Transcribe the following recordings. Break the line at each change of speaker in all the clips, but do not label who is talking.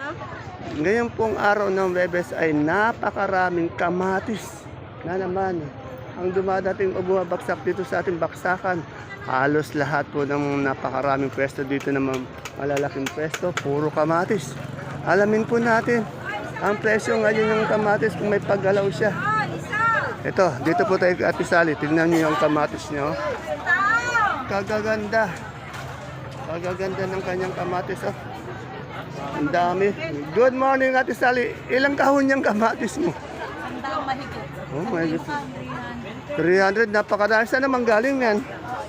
Ngayon pong araw ng Webes ay napakaraming kamatis na naman ang dumadating o bumabagsak dito sa ating baksakan. Halos lahat po ng napakaraming pwesto dito na malalaking pwesto, puro kamatis. Alamin po natin ang presyo ngayon ng kamatis kung may paggalaw siya. Ito, dito po tayo kay Ate Sally. Tingnan niyo yung kamatis niyo. Kagaganda. Kagaganda ng kanyang kamatis. Oh. Ang dami. Good morning, Ate Sally. Ilang kahon yung kamatis mo?
Sandang mahigit.
Oh, mahigit. 300. Napakadami. Saan naman galing yan?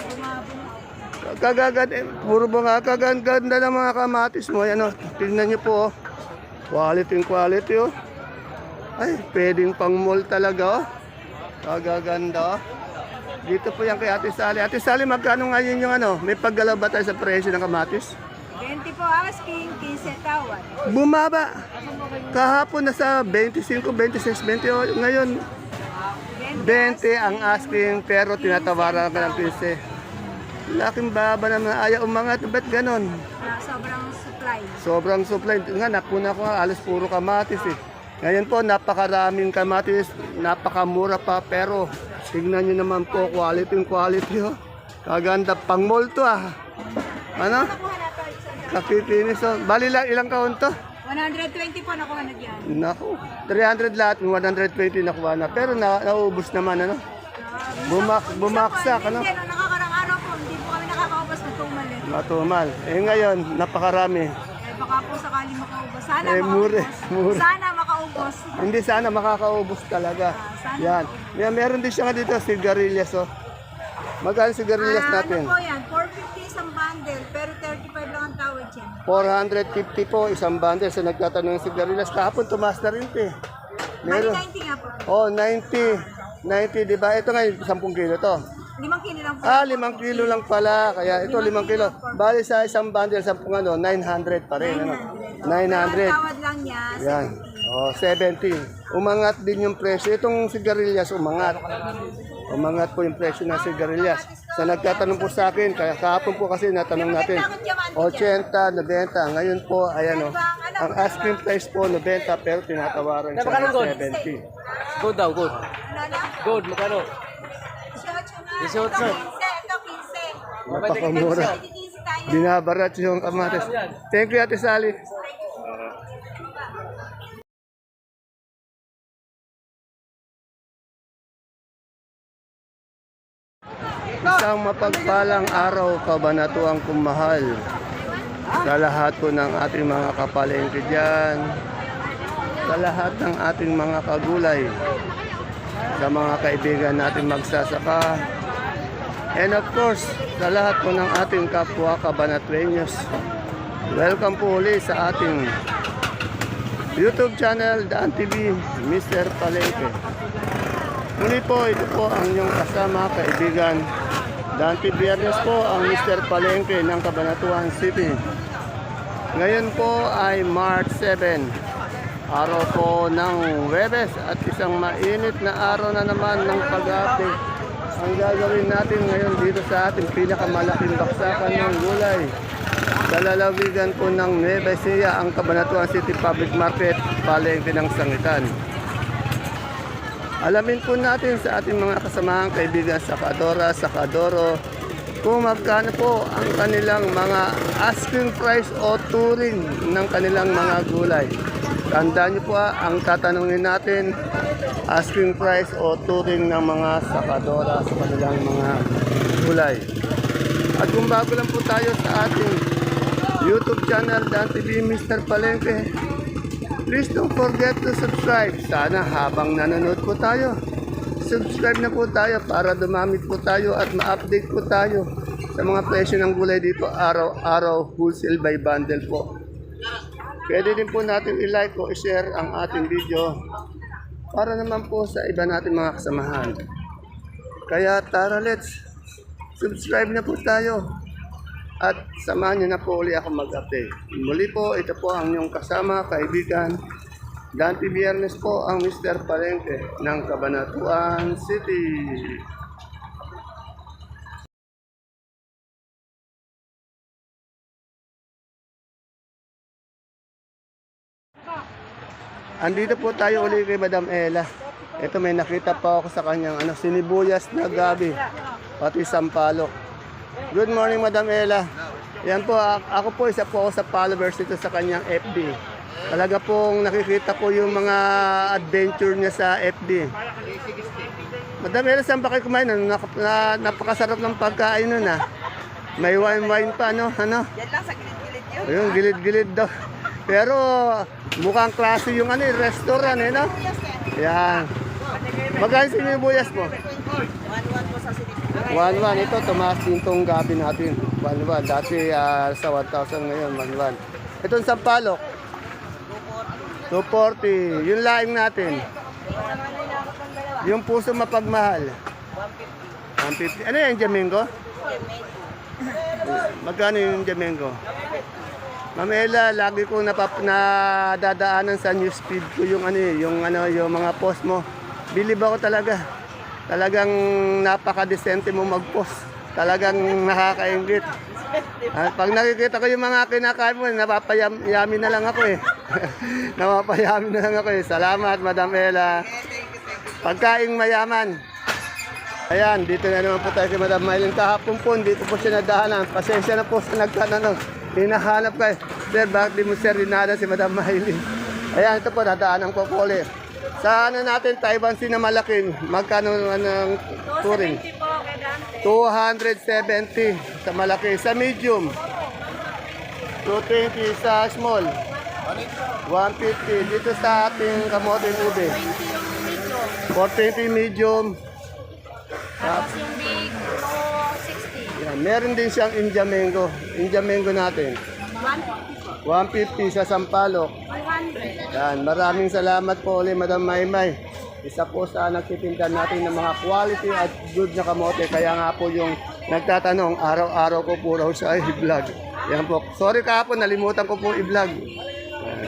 Kagaganda. Puro ba nga kagaganda ng mga kamatis mo. Yan, oh. Tingnan niyo po. Oh. Quality oh. Ay, pwedeng pang mall talaga. Oh. Kagaganda. Oh. Dito po yan kay Ate Sally. Ate Sally, magkano ngayon yung ano? May paggalaw ba tayo sa presyo ng kamatis?
20 po asking, 15 tawad.
Bumaba. Kahapon nasa 25, 26, 20. Ngayon, 20 ang asking pero tinatawaran ka ng 15. Laking baba naman. Ayaw umangat. Ba't ganon?
Sobrang supply.
Sobrang supply. Nga, nakuna ko nga. Alas puro kamatis eh. Ngayon po, napakaraming kamatis. Napakamura pa pero tignan nyo naman po, quality oh. Kaganda, pang mall to ah. Ano? Kapipinis oh. Bali lang, ilang kaon to?
120 po nakuha na dyan.
Naku, 300 lahat, 120 nakuha na. Pero naubos naman ano? Bumaksak ano?
Hindi, nung nakakarang araw po, hindi po kami nakakaubos na tumalit.
Matumal. Eh ngayon, napakarami.
Baka po sakali makaubos. Sana
Mure.
Sana makaubos.
Hindi sana makakaubos talaga. Yan. Meron din siya nga dito, sigarilyas oh. Magkano sigarilyas natin?
Ano po yan? 450 isang bundle, pero 35 lang ang tawad yan.
450 po isang bundle. So nagtatanong ng sigarilyas. Kahapon tumaas na rin ito eh.
Bali 90 nga po.
Oh, 90. 90, di ba? Ito nga 10 kilo to.
5 kilo lang po.
5 kilo lang pala. Kaya ito 5 kilo. Bali sa isang bundle, 10 ano, 900 pa rin. Ano? 900.
Ang tawad lang niya,
Yan.
70.
Oh, 70. Umangat din yung presyo. Itong sigarilyas umangat. Umangat po yung presyo ng sigarilyas. Sa nagtatanong po sa akin, kaya kahapon po kasi natanong natin, 80, 90. Ngayon po, ayan o. Ang asking price po, 90, pero tinatawaran siya ng 70.
Good daw, good.
Ano na?
Good, magkano?
18 nga.
18.
Ito 15.
Napakamura.
Ito 15 tayo.
Binabarat yung kamatis. Thank you, Ate Sally. Isang mapagpalang araw, kabanatuang kumahal sa lahat po ng ating mga kapalengke dyan, sa lahat ng ating mga kagulay, sa mga kaibigan natin magsasaka, and of course, sa lahat po ng ating kapwa kabanatuenyos. Welcome po ulit sa ating YouTube channel, Daan TV, Mr. Palengke. Muli po, ito po ang inyong kasama, kaibigan. Dante Biernes po ang Mr. Palengke ng Cabanatuan City. Ngayon po ay March 7, araw po ng Huwebes at isang mainit na araw na naman ng pag-api. Ang gagawin natin ngayon dito sa ating pinakamalaking baksakan ng gulay. Sa lalawigan po ng Nueva Ecija, ang Cabanatuan City Public Market, Palengke ng Sangitan. Alamin po natin sa ating mga kasamahang kaibigan sa Kadora, sa Kadoro, kung magkano po ang kanilang mga asking price o touring ng kanilang mga gulay. Tandaan niyo po ang tatanungin natin, asking price o touring ng mga sakadora sa kanilang mga gulay. At kung bago lang po tayo sa ating YouTube channel, Dan TV Mr. Palengke, please don't forget to subscribe. Sana habang nanonood po tayo, subscribe na po tayo para dumamit po tayo at ma-update po tayo sa mga presyo ng gulay dito araw-araw, wholesale by bundle po. Pwede din po natin i-like o i-share ang ating video para naman po sa iba natin mga kasamahan. Kaya tara, let's subscribe na po tayo. At samahan niyo na po uli ako mag-update. Muli po, ito po ang inyong kasama, kaibigan. Dante Biernes po ang Mr. Palengke ng Cabanatuan City. andito po tayo uli kay Madam Ella. Ito may nakita pa ako sa kanyang sinibuyas na gabi, pati sampalok. Good morning, Madam Ella. Yan po, ako po isa po ako sa followers dito sa kanyang FB. Talaga pong nakikita ko yung mga adventure niya sa FB. Madam Ella, saan ba kayo kumain? Napakasarap ng pagkain nun May wine pa, ano?
Yan lang sa gilid-gilid yun.
Ayun, gilid-gilid daw. Pero mukhang klase yung restaurant, no? Yan. Magkano sinibuyas po?
1-1 po sa sinipin.
1-1. Ito, tumaas din itong gabi natin. 1-1. Dati sa 1,000 ngayon, 1-1. Itong sampalok? 240. Yung laing natin? Yung puso mapagmahal? 150. Ano yan, Jamingo? Magkano yung Jamingo? Ma'am Ella, lagi ko nadadaanan sa newsfeed ko yung yung mga post mo. Bilib ako talaga. Talagang napaka-decente mo mag-post. Talagang nakakaingit. Pag nakikita ko yung mga kinakain mo, napapayami na lang ako Napapayami na lang ako Salamat, Madam Ella. Pagkaing mayaman. Ayan, dito na naman po tayo kay Madam Maylin. Kahapon po, dito po siya nadahanan. Pasensya na po sa nagtanong. Hinahanap kayo. Sir, bakit di mo sir dinada si Madam Maylin? Ayan, ito po, nadaanan ko po ulit. Sa natin, Taiwan Sea na malaking, magkano ang touring? 270 sa malaki. Sa medium, 220 sa small. 150 dito sa ating kamote ube. 420 medium.
Tapos yung big, 60.
Yan, meron din siyang India mango. India mango natin. 150 sa sampalok.
100.
Yan, maraming salamat po ulit, Madam Maymay. Isa po sa nagtitinda natin ng mga quality at good na kamote. Kaya nga po yung nagtatanong, araw-araw ko po raw siya i-vlog. Yan po. Sorry kahapon, nalimutan ko po i-vlog. Yan.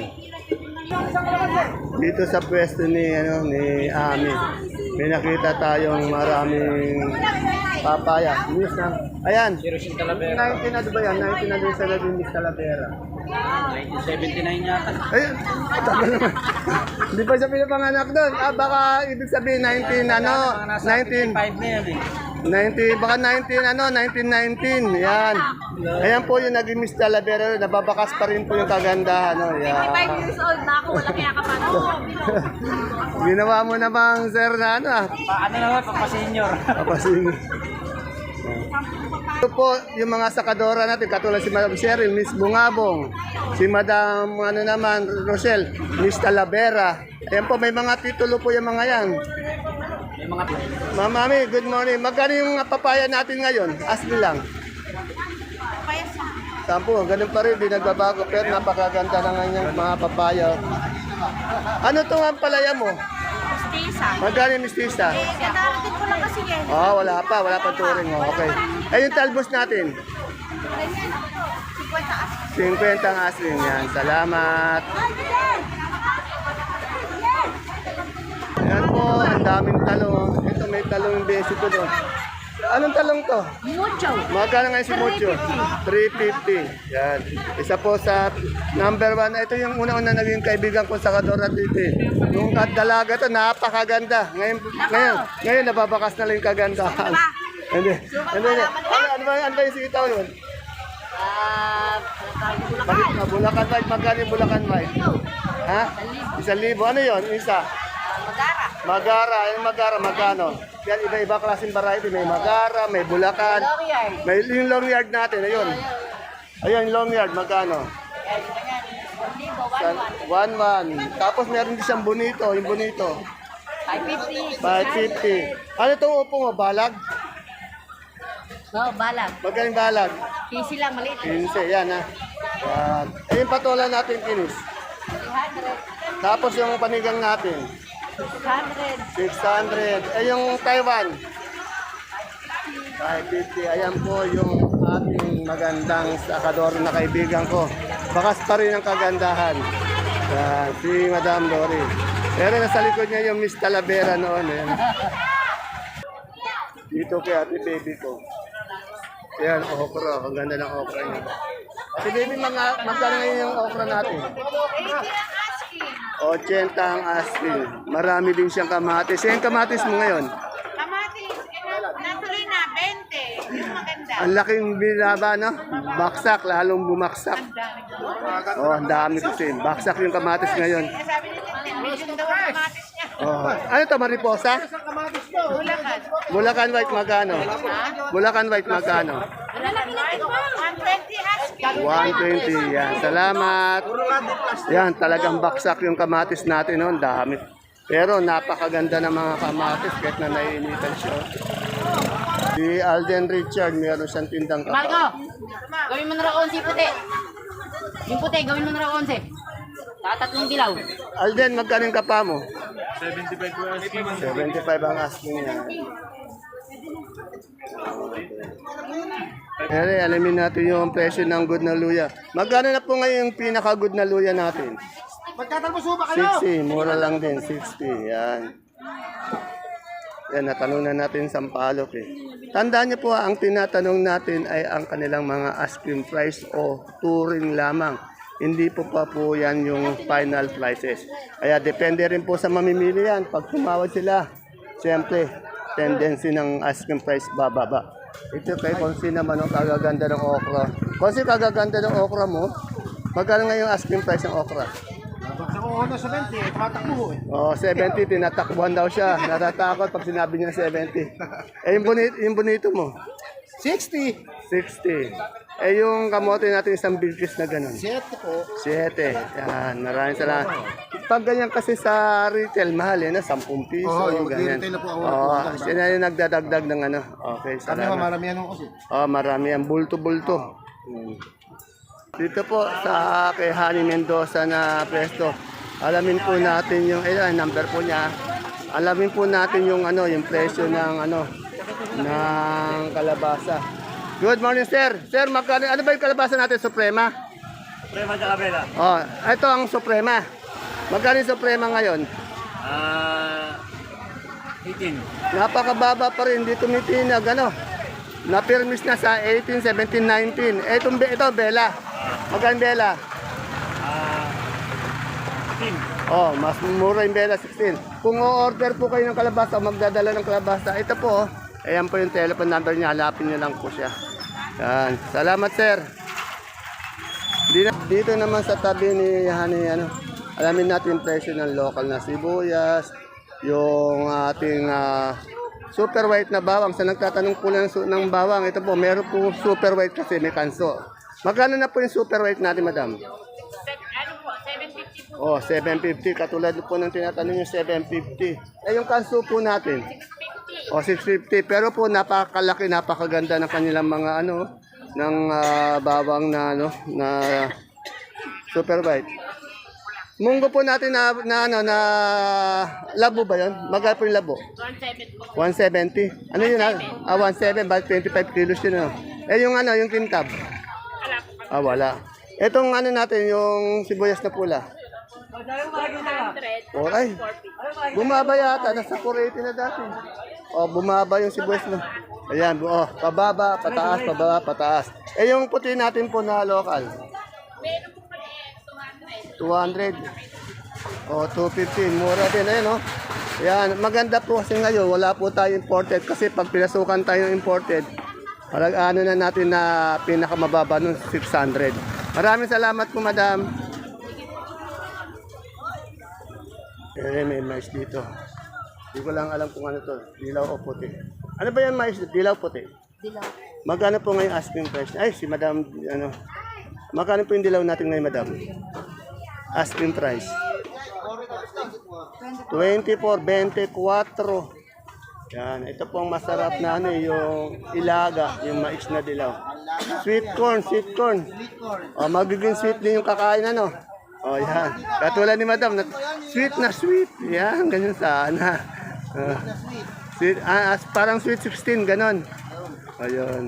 Dito sa pwesto ni Ami, may nakita tayong maraming papaya. News na. Ayan. 19 na ba yan? 19 na din sa labing Miss Talavera.
79 yata.
Ayun, tagal naman. Hindi pa siya pinapanganak doon. Baka ibig sabihin 19, 19.
5 na yan
19, baka 1919. Yan. Ayan po yung naging Miss Talavera. Nababakas pa rin po yung kagandahan. Yan.
5 years old na ako, wala kaya ka pa.
Ginawa mo na bang sir na
Paano naman, pagpa-senior.
Kapasing. Ito po yung mga sakadora natin, katulad si Madam Cheryl, Miss Bungabong, si Madam Rochelle, Miss Talavera. Ayan po, may mga titulo po yung mga yan.
May mga
Ma'am Mami, good morning. Magkano yung papaya natin ngayon? Ask me lang. Sampo, ganun pa rin, di nagbabago. Pero napakaganda na nga yung mga papaya. Ano to ang palaya mo?
Mistisa.
Magkano yung mistisa?
Kadarating ko lang kasi yan.
Wala pa turing. Okay. Yung talbos natin? 50 ang asling yan. Salamat. Yan po, ang daming talong. Ito may talong yung basic ko doon. Anong talong to?
Mucho.
Magkano ngayon si Mucho? 350. Yan. Isa po sa number 1. Ito yung unang-una naging kaibigan ko sa Kadora dito. Yung dalaga to, napakaganda. Ngayon nababakas na lang yung kagandahan. Hindi. Ano ba yung sitaw yun? Bulacan White. Magkano yung Bulacan White? Ha? 1,000. Ano yun? Isa? Magara. Yung Magara, magkano? Yan, iba-iba klaseng variety. May Magara, may Bulacan. May yung long yard natin. Ayun. Ayun, long yard. Magkano? 1,1. Tapos meron din siyang bonito. Yung bonito.
550.
550. Ano itong upo mo? Balag?
Balag.
Magkano yung balag?
Easy lang, maliit.
15. Yan ha. Yan. Ayun patola natin kinis.
300.
Tapos yung panigang natin.
600.
600. Yung Taiwan. 550. Ayan po yung ating magandang sakador na kaibigan ko. Bakas pa rin ang kagandahan. Yan, si Madam Lori. Pero nasa likod niya yung Miss Talavera noon. Dito kay ate baby ko. Yan, okra. Ang ganda ng okra niya. Ate baby, magkano ngayon yung okra natin?
80 ang asking.
80 ang asking. Marami din siyang kamatis. Yung kamatis mo ngayon?
Kamatis, natuloy na, 20. Yung maganda.
Ang laking binaba, no? Baksak, lalong bumaksak. Oh, ang dami kasi. Baksak yung kamatis ngayon.
Sabi ni Tintin, medium daw ang kamatis niya.
Oh. Ano to, mariposa?
Bulacan.
Bulacan White magkano? Bulacan White magkano?
Lalaki natin ba? 120 asking.
120. Yan. Salamat. Yan, talagang baksak yung kamatis natin noon. Dami. Pero napakaganda ng mga kamatis kahit na naiinitan siya. Si Alden Richard, meron siyang tindang
Marco,
kapa.
gawin mo na raw 11 puti. Yung puti, gawin mo na raw 11. Tatatlong dilaw.
Alden, magkano yung kapa mo? 75 ang asking niya. Ere, alamin natin yung presyo ng good na luya. Magkano na po ngayon yung pinaka-good na luya natin?
Magtatalbuso ba kayo?
60, mura lang din, 60. Yan. Yan, natanong na natin sa Sampaloc eh. Tandaan niyo po, ang tinatanong natin ay ang kanilang mga asking price o touring lamang. Hindi po pa po yan yung final prices. Kaya depende rin po sa mamimili yan. Pag tumawad sila, siyempre, tendency ng asking price bababa. Ito kay Konsi naman ang kagaganda ng okra. Konsi, kagaganda ng okra mo. Magkano nga yung asking price ng okra?
Sa kuho sa 20, tumatakbo eh.
Oh, 70, tinatakbuhan daw siya. Natatakot pag sinabi niya 70. Eh, yung bonito mo?
60.
60. Eh, yung kamote natin isang bilkis na ganun.
7 po.
7. Yan, maraming salamat. Pag ganyan kasi sa retail, mahal eh, na 10 piso.
Oo, yung
ganyan.
retail na po ako
Oo,
nagpupunta.
sila yung nagdadagdag ng ano. Okay,
Kami
salamat.
maramihan ako kasi.
Oh, marami yan. Bulto-bulto. Dito po sa kay Hani Mendoza na pwesto. Alamin po natin yung number po niya. Alamin po natin yung ano, yung presyo ng ano ng kalabasa. Good morning, sir. Sir, magkano ano ba yung kalabasa natin, Suprema?
Suprema sa kabela.
Oh, ito ang Suprema. Magkano yung Suprema ngayon?
18.
Napakababa pa rin, hindi tumitinag, ano? Napirmis na sa 18, 17, 19. Ito, Bella. Magkano Bella?
15.
Oh, mas mura yung Bella 16. Kung o-order po kayo ng kalabasa o magdadala ng kalabasa, ito po, ayan po yung telephone number niya, hanapin niyo lang po siya. Yan. Salamat, sir. Dito naman sa tabi ni Hani, alamin natin yung presyo ng local na sibuyas, yung ating super white na bawang. Sa nagtatanong po ng bawang, ito po, meron po super white kasi may kanso. Magkano na po yung super white natin, madam?
Ano po, 750 po.
Oh, 750. Katulad po ng tinatanong yung 750. Eh, yung kanso po natin?
650.
O, 650. Pero po, napakalaki, napakaganda ng kanilang mga ng bawang na super white. Munggo po natin na labo ba yun? Magkano po yung labo?
170 po.
170. Ano yun? 17. Bakit 25 kilos yun? Eh, yung yung kintab? Wala. Etong natin, yung sibuyas na pula.
100.
Oray. Bumaba yata. Nasa 480 na dati. O, bumaba yung sibuyas na. Ayan. O, pababa, pataas, pababa, pataas. Eh, yung puti natin po na local.
Meron po pala
200. O, 250. Mura din. Ayan, o. Ayan. Maganda po kasi ngayon, wala po tayo imported. Kasi pag pinasukan tayo ng imported, na natin na pinakamababa nun, 600. Maraming salamat po, madam. May mais dito. Hindi ko lang alam kung ano to. Dilaw o puti. Ano ba yan mais? Dilaw puti?
Dilaw.
Magkano po ngayon asking price? Ay, si madam, magkano po yung dilaw natin ngayon, madam? Asking price. 24, 24. Yan, ito po ang masarap na yung ilaga, yung mais na dilaw. Sweet corn, sweet corn. O, magiging sweet din yung kakain, O, yan. Katulad ni madam, sweet na sweet. Yan, ganyan sana. Sweet, parang sweet 16, ganon. Ayun.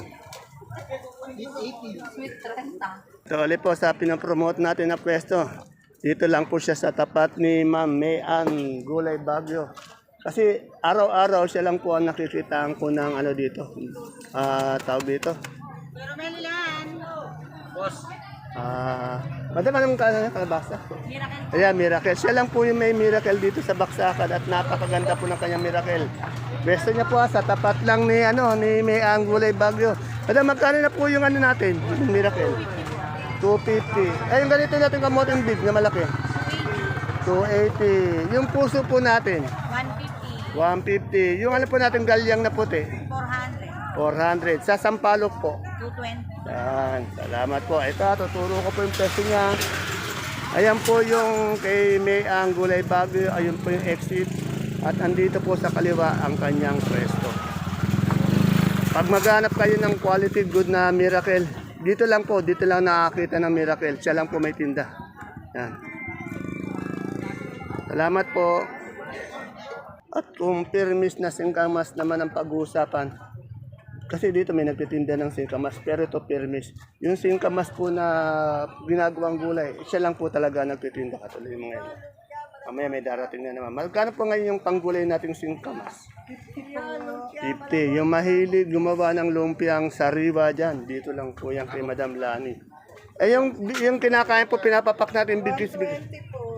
Sweet 30.
So, ulit po sa pinapromote natin na pwesto. Dito lang po siya sa tapat ni Ma'am Mayan Gulay Bagyo. Kasi araw-araw siya lang po ang nakikitaan ko ng dito. Tawag dito.
Pero Melilan.
Boss,
Madam, anong kalabasa?
Miracle.
Ayan, Miracle. Siya lang po yung may Miracle dito sa Baksakan at napakaganda po ng kanyang Miracle. Besto niya po sa tapat lang ni May Anggulay Bagyo. Madam, magkano na po yung natin, yung Miracle? 250. Eh, yung ganito natin kamoting big na malaki. 280. Yung puso po natin,
150.
150. Yung po natin galyang na puti,
400.
400. Sa Sampalok po,
220.
yan, salamat po. Ito, tuturo ko po yung peso niya. Ayan po yung kay May Anggulay Bagyo. Ayun po yung exit. At andito po sa kaliwa ang kanyang pwesto. Pag maghanap kayo ng quality good na Miracle, dito lang nakakita ng Miracle. Siya lang po may tinda. Yan. Salamat po. At kung permis na singkamas naman ang pag-uusapan, kasi dito may nagtitinda ng singkamas, pero ito permis. Yung singkamas po na ginagawang gulay, siya lang po talaga nagtitinda katuloy mga yun. Mamaya may darating na naman. Magkano po ngayon yung panggulay nating singkamas? 50. Yung mahilig gumawa ng lumpiang sariwa dyan, dito lang po yan kay Madam Lani. Eh yung kinakain po, pinapapak natin bigis-bigis.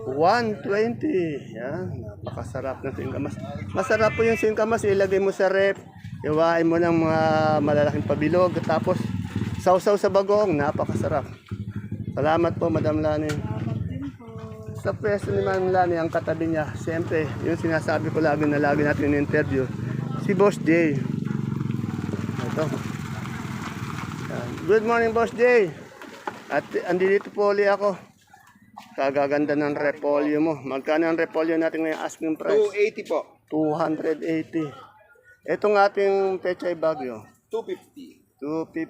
120. Yan, napakasarap ng singkamas. Masarap po yung singkamas, ilagay mo sa rep, iwain mo ng mga malalaking pabilog, tapos sausaw sa bagong, napakasarap. Salamat po, Madam Lani. Sa pwesto ni Madam Lani, ang katabi niya, siyempre, yung sinasabi ko lagi na lagi natin in-interview, si Boss Jay. Ito. Yan. Good morning, Boss Jay. At andito po ulit ako. Kagaganda ng repolyo mo. Magkano ang repolyo natin ngayong asking price?
280 po.
280. Itong ating Pechay Bagyo,
250.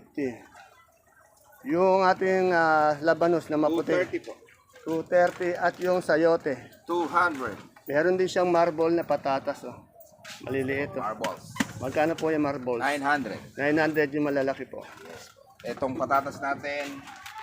250. Yung ating labanos na maputi,
230 po.
230. At yung sayote,
200.
meron din siyang marble na patatas. Oh. Maliliit. Oh.
Marbles.
Magkano po yung marbles?
900.
900 yung malalaki po.
Itong patatas natin,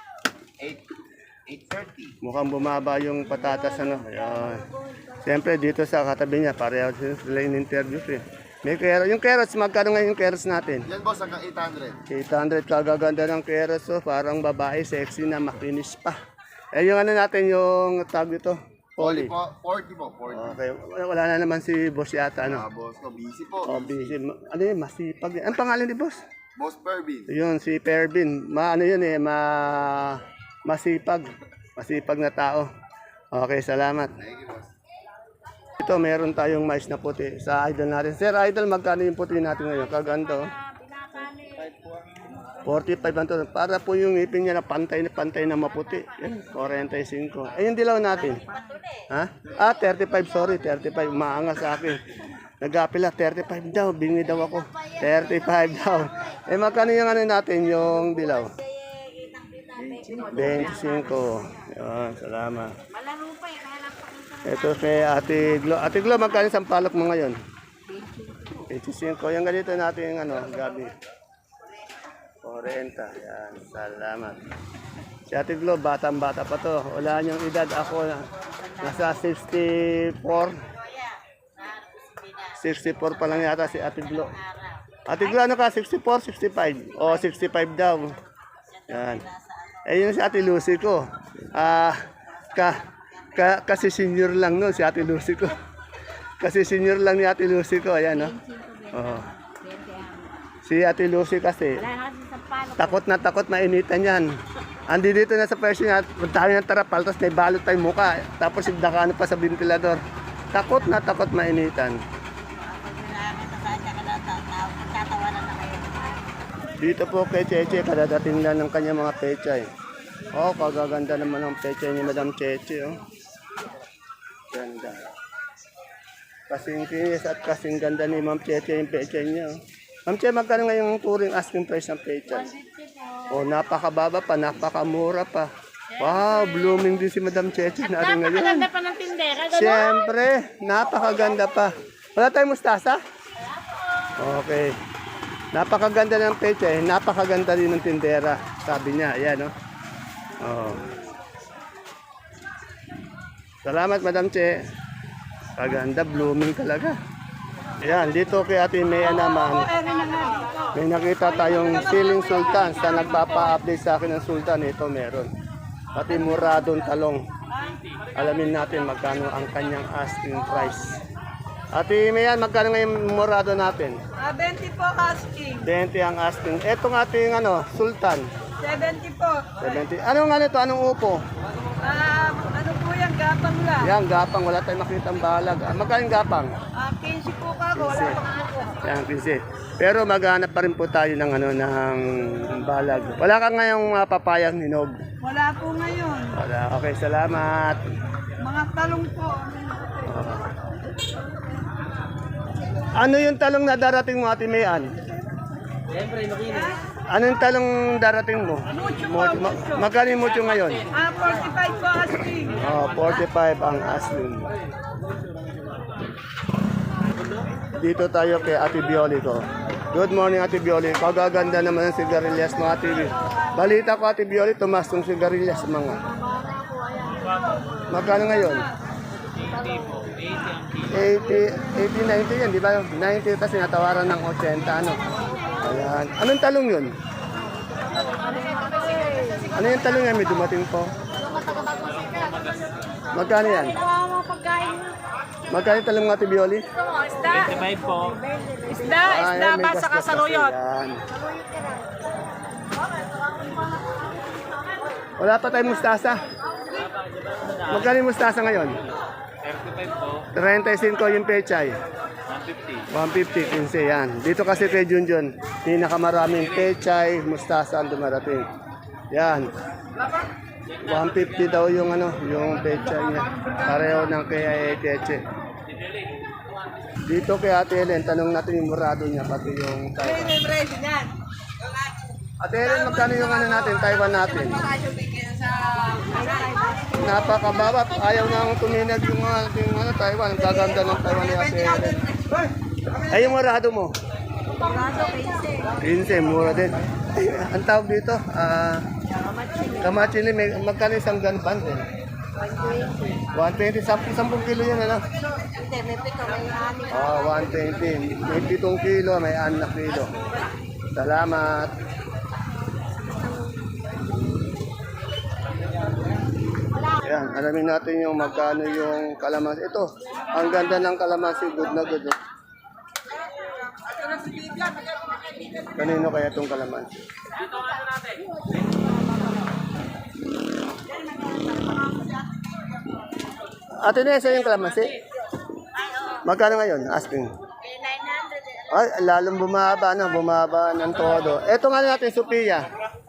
830.
Mukhang bumaba yung patatas. Ayan. Siyempre dito sa katabi niya, pareho sila yung interview. May carrots. Yung carrots, magkano ngayon yung carrots natin?
Yan boss, hanggang 800.
800, kagaganda ng carrots. Oh. Parang babae, sexy na, makinis pa. Eh yung natin, yung tag ito, Poli.
40 po, 40.
Okay, wala na naman si boss yata,
Boss ko, busy po.
Oh, busy. Ano yun, masipag. Ang pangalan ni boss?
Boss Pervin.
Yun, si Pervin. Masipag. Masipag na tao. Okay, salamat.
Thank you, boss.
Ito, meron tayong mais na puti sa idol natin. Sir, idol, magkano yung puti natin ngayon? Kaganda, oh. 45 ang to. Para po yung ipin niya na pantay na maputi. Yan, 45. Eh, yung dilaw natin. Ha? 35, sorry. 35. Maangas sa akin. Nag-apila, 35 daw. Bingi daw ako. 35 daw. Eh, magkano yung natin, yung dilaw? 25. Yan, salamat.
Malaro pa eh, kaya lang pakita.
Ito kay Ate Glo. Ate Glo, magkano isang palok mo ngayon? 25. Yung ganito natin, gabi. 40. Yan, salamat. Si Ate Glo, batang-bata pa to. Wala niyang edad. Ako, nasa 64. 64 pa lang yata si Ate Glo. Ate Glo, ano ka? 64, 65? O, 65 daw. Yan. Eh, yun si Ate Lucy ko. Kasi senior lang no, si Ate Lucy ko. Kasi senior lang ni Ate Lucy ko. Ayan, no? Oh. Si Ate Lucy kasi, takot na mainitan yan. Andi dito na sa pwesto niya, tayo ng tarapal, tapos may balot tayong muka. Tapos idakano pa sa ventilador. Takot na mainitan. Dito po kay Cheche, kadadating lang ng kanyang mga pechay. Oh, kagaganda naman ng pechay ni Madam Cheche. Oh. Ganda. Kasing kinis at kasing ganda ni Ma'am Cheche yung pechay niya. Oh. Ma'am Cheche, magkano ngayong touring asking price ng pechay? Oh, napakababa pa, napakamura pa. Wow, blooming din si Madam Cheche natin ngayon.
Napakaganda pa ng tindera.
Siyempre, napakaganda pa. Wala tayong mustasa? Okay. Napakaganda ng peche, napakaganda rin ng tindera. Sabi niya, ayan, no? Oh. Salamat, Madam Che. Kaganda, blooming talaga. Ayan, dito kay Ate Mea naman, may nakita tayong siling sultan. Sa nagpapa-update sa akin ng sultan, ito meron. pati muradong talong. Alamin natin magkano ang kanyang asking price. Ate Mayan, magkano ngayon murado natin?
20 po asking.
20 ang asking. Etong ating Sultan.
70 po.
70. Anong ito? Anong upo?
Ano po yan? Gapang lang.
Yan, gapang. Wala tayong makitang balag. Magkano yung gapang?
15 po ka ako. Wala pang po.
Yan, 15. Pero maghanap pa rin po tayo ng, ng balag. Wala ka ngayong papayang hinog.
Wala po ngayon.
Wala. Okay, salamat.
Mga talong po.
Ano yung talong na darating mo, Ate Mayan? Ano yung talong darating mo?
Mucho po, mucho.
Magkano yung mucho ngayon?
45 po asking.
45 ang asking. Dito tayo kay Ate Bioli ko. Good morning, Ate Bioli. Kagaganda naman ang sigarilyas mo, Ate Bioli. Balita ko, Ate Bioli, tumas ng sigarilyas mga. Magkano ngayon? 80, 90 yan, di ba? 90 kasi natawaran ng 80, ano? Ayan. Anong talong yun? Ano yung talong yan? May dumating po. Magkano yan? Magkano yung talong ng Ate Bioli?
Isda.
25 po.
Isda. Isda
Ayan, may
pa sa
gasgas
kasaluyot.
kasi yan. Wala pa tayong mustasa. Magkano yung mustasa ngayon?
35 po.
35 yung pechay.
150.
150, 15 yan. Dito kasi kay Junjun, pinakamaraming pechay, mustasa ang dumarating. Yan. 150 daw yung yung pechay niya. Pareho ng kay Teche. Dito kay Ate Helen, tanong natin yung murado niya, pati yung Taiwan. Ate Helen, magkano yung natin, Taiwan natin? Napakababa. Ayaw nang tuminag yung ating Taiwan. Ang gaganda ng Taiwan ni Ate Helen. Ay, yung murado mo?
Murado 15.
15, mura din. Ay, ang tawag dito, kamachili, magkano isang ganpan din? 120, 10 kilo yan, ano?
Hindi, may pito, may ani.
120. May 7 kilo, may 6 kilo. Salamat. Yan, alamin natin yung magkano yung kalamansi. Ito, ang ganda ng kalamansi, good na good. No? Kanino kaya itong kalamansi? Ate Nessa yung kalamansi? Magkano ngayon? Asking.
900.
Ay, lalong bumaba, bumaba ng todo. Ito nga natin, Sophia.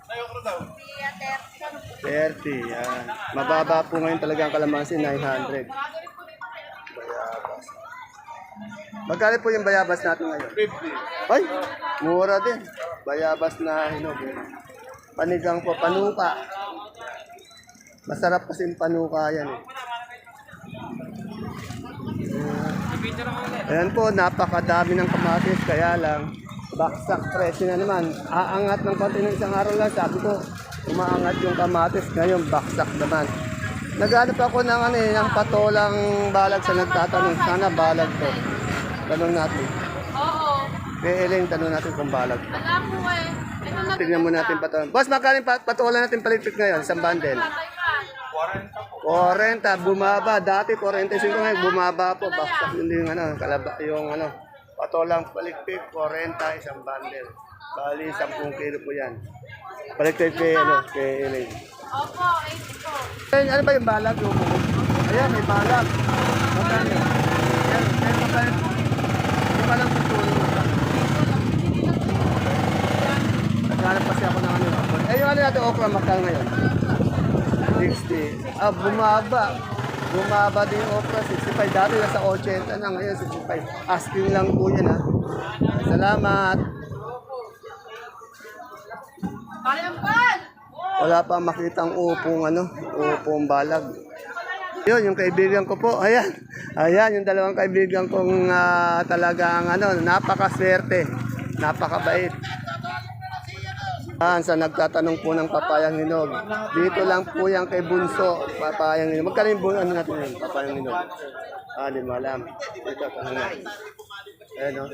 30, yan. Mababa po ngayon talaga ang kalamansi, 900. Bayabas. Magkano po yung bayabas natin ngayon? 50. Ay, mura din. Bayabas na hinog. Panigang po, panuka. Masarap kasi yung panuka yan. Ayan po, napakadami ng kamatis, kaya lang, baksak presyo na naman. Aangat ng konti ng isang araw lang, sabi ko, umaangat yung kamatis, ngayon baksak naman. Naghanap ako ng, ng patolang balag sa nagtatanong, sana balag to. Tanong natin.
Oo.
Kay Ellen, tanong natin kung balag.
Alam mo eh. Ito na
Tignan mo natin patolang. Boss, magkano yung patola natin palitik ngayon, isang bundle? 40, bumaba. Dati 45 ngayon, bumaba po. Baksak hindi yung yung patolang palikpik, 40, isang bundle. Bali, 10 kilo po yan. Palikpik kay Elaine.
Opo, 80 po.
Ayun, ano ba yung balag? Ayan, may balag. Magkano? Ayan, magkano? Yung balag tutulong na. Naghanap kasi ako ng Eh, yung natin okra, magkano ngayon? 60. Bumaba. Bumaba din yung okra, 65. Dati nasa 80 na, ngayon 65. Asking lang po yan, ha. Salamat. Wala pa makitang upong upong balag. Yun, yung kaibigan ko po, ayan. Ayan, yung dalawang kaibigan kong talagang napakaswerte. Napakabait. Sa nagtatanong po ng papayang hinog. Dito lang po yan kay Bunso, papayang hinog. Magkano yung natin yun, papayang hinog? Di mo alam. Dito, tanong natin. Ayan,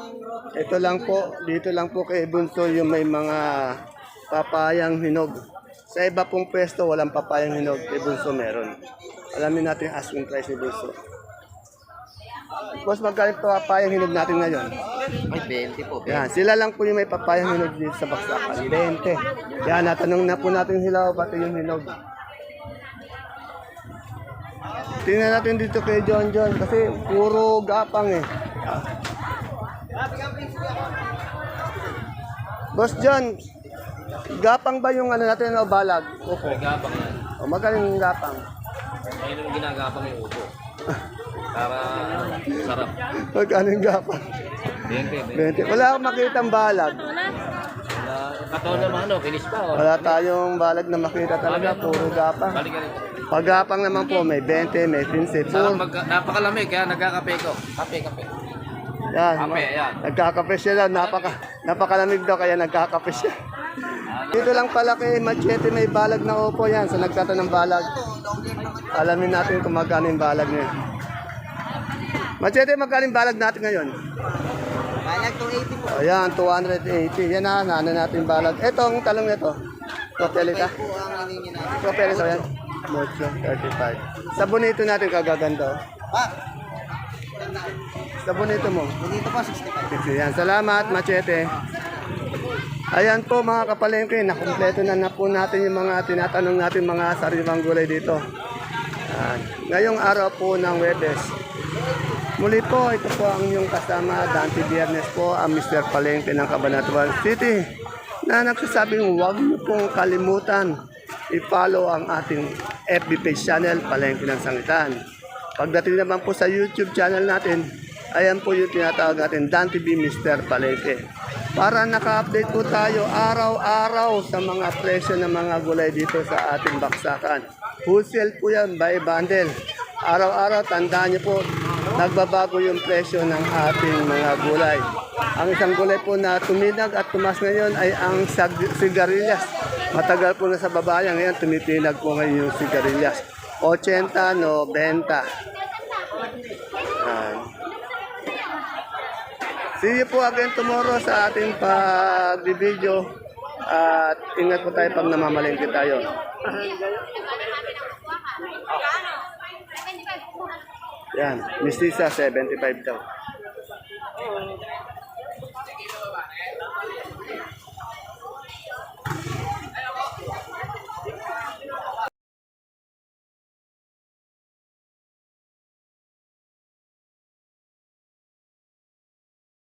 Ito lang po, dito lang po kay Bunso yung may mga papayang hinog. Sa iba pong pwesto, walang papayang hinog. Kay Bunso meron. Alamin natin yung asking price ni Bunso. Boss, magkano papayang hinog natin ngayon?
May 20 po.
Yan, sila lang po yung may papayang hinog dito sa Baksakan. 20. Yan, natanong na po natin sila pati yung hinog. Tingnan natin dito kay John kasi puro gapang eh. Boss John, gapang ba yung ano natin o balag? Opo.
Gapang yan.
O magaling yung gapang.
Ayun yung ginagapang yung upo. Para sarap.
Magkano yung gapang?
20.
20. Wala akong makita ang balag.
Kataon naman ano, finish pa. Oh.
Wala tayong balag na makita talaga, puro gapang.
Balik ka rin.
Pag gapang naman po, may 20, may 15,
Sarap
puro.
napakalamig kaya nagkakape ko. Kape.
Yan,
Kape, yan.
nagkakape siya daw, napakalamig daw kaya nagkakape siya. Dito lang pala kay Machete may balag na upo yan, sa nagtatanong balag. Alamin natin kung magkano yung balag niya. Machete, magkano yung balag natin ngayon?
Balag 280 po.
Ayan, 280. Yan na, ano natin yung balag. Etong talong nito. Propelita.
Po ang hiningi natin.
Propelita yan. Mucho, 35. Sa bonito natin kagaganda. Oh.
Pa,
Sa bonito mo.
dito po 65.
Yan, salamat Machete. Ayan po mga kapalengke, nakumpleto na po natin yung mga tinatanong natin mga sariwang gulay dito. Ayan. Ngayong araw po ng Webes. Muli po, ito po ang inyong kasama, Dante Biernes po, ang Mr. Palengke ng Cabanatuan City na nagsasabing huwag niyo pong kalimutan i-follow ang ating FB page channel, Palengke ng Sangitan. Pagdating naman po sa YouTube channel natin, ayan po yung tinatawag natin, Dan TV Mr. Palengke. Para naka-update po tayo araw-araw sa mga presyo ng mga gulay dito sa ating baksakan. Wholesale po yan, by bundle. Araw-araw, tandaan niyo po, nagbabago yung presyo ng ating mga gulay. Ang isang gulay po na tuminag at tumas ngayon ay ang sigarilyas. Matagal po na sa babayan, ngayon tumitinag po ngayon yung sigarilyas. 80, 90. See you po again tomorrow sa ating pag-video. At ingat po tayo pag namamalengke tayo. Yan, Mistisa 75 daw.